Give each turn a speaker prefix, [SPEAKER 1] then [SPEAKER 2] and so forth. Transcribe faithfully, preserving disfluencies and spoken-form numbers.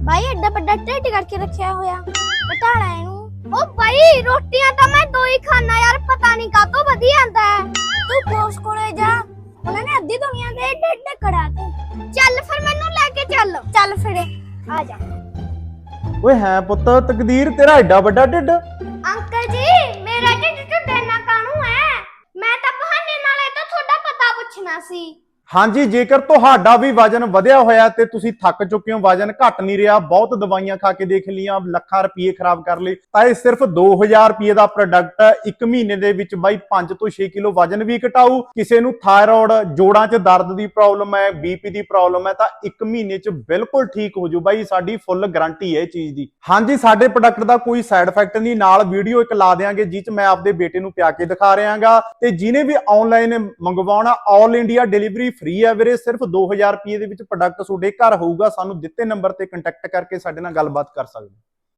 [SPEAKER 1] भाई एड्डा बड़ा ढिड करके रखा होया घटाना इनू। ओ भाई रोटियां तो मैं दो ही खाना यार, पता नहीं का तो वधिया आंदा है। तू बॉस कोले जा, उन्होंने अद्धी दुनिया दे ढिड कढ़ाते। चल फिर मैनू लेके चल। चल फिर आ जा।
[SPEAKER 2] ओए है पुੱਤ तकदीर तेरा एड्डा बड़ा ढिड।
[SPEAKER 1] अंकल जी मेरा ढिड ढुड्डे ना कानू है, मैं तो बहाने नाले तो थोड़ा पता पूछना सी।
[SPEAKER 2] ਹਾਂਜੀ ਜੇਕਰ ਤੁਹਾਡਾ ਵੀ ਵਜਨ ਵਧਿਆ ਹੋਇਆ ਤੇ ਤੁਸੀਂ ਥੱਕ ਚੁੱਕੇ ਹੋ, ਵਜਨ ਘਟ ਨਹੀਂ ਰਿਹਾ, ਬਹੁਤ ਦਵਾਈਆਂ ਖਾ ਕੇ ਦੇਖ ਲੀਆਂ, ਲੱਖਾਂ ਰੁਪਏ ਖਰਾਬ ਕਰ ਲਏ, ਤਾਂ ਇਹ ਸਿਰਫ ਦੋ ਹਜ਼ਾਰ ਰੁਪਏ ਦਾ ਪ੍ਰੋਡਕਟ ਹੈ। ਇੱਕ ਮਹੀਨੇ ਦੇ ਵਿੱਚ ਬਾਈ ਪੰਜ ਤੋਂ ਛੇ ਕਿਲੋ ਵਜਨ ਵੀ ਘਟਾਊ। ਕਿਸੇ ਨੂੰ ਥਾਇਰਾਇਡ, ਜੋੜਾਂ 'ਚ ਦਰਦ ਦੀ ਪ੍ਰੋਬਲਮ ਹੈ, ਬੀਪੀ ਦੀ ਪ੍ਰੋਬਲਮ ਹੈ, ਤਾਂ ਇੱਕ ਮਹੀਨੇ 'ਚ ਬਿਲਕੁਲ ਠੀਕ ਹੋ ਜੂ ਬਾਈ, ਸਾਡੀ ਫੁੱਲ ਗਾਰੰਟੀ ਹੈ ਇਹ ਚੀਜ਼ ਦੀ। ਹਾਂਜੀ ਸਾਡੇ ਪ੍ਰੋਡਕਟ ਦਾ ਕੋਈ ਸਾਈਡ ਇਫੈਕਟ ਨਹੀਂ, ਨਾਲ ਵੀਡੀਓ ਇੱਕ ਲਾ ਦੇਾਂਗੇ ਜਿਹ 'ਚ ਮੈਂ ਆਪਦੇ ਬੇਟੇ ਨੂੰ ਪਿਆ ਕੇ ਦਿਖਾ ਰਿਹਾਗਾ। ਤੇ ਜਿਹਨੇ ਵੀ ਆਨਲਾਈਨ ਮੰਗਵਾਉਣਾ ਆਲ ਇੰਡੀਆ ਡਿਲੀਵਰੀ फ्री है वीरे, सिर्फ दो हज़ार रुपए ਦੇ ਵਿੱਚ ਪ੍ਰੋਡਕਟ ਤੁਹਾਡੇ ਘਰ ਹੋਊਗਾ। ਸਾਨੂੰ ਦਿੱਤੇ ਨੰਬਰ ਤੇ ਕੰਟੈਕਟ ਕਰਕੇ ਸਾਡੇ ਨਾਲ ਗੱਲਬਾਤ ਕਰ ਸਕਦੇ।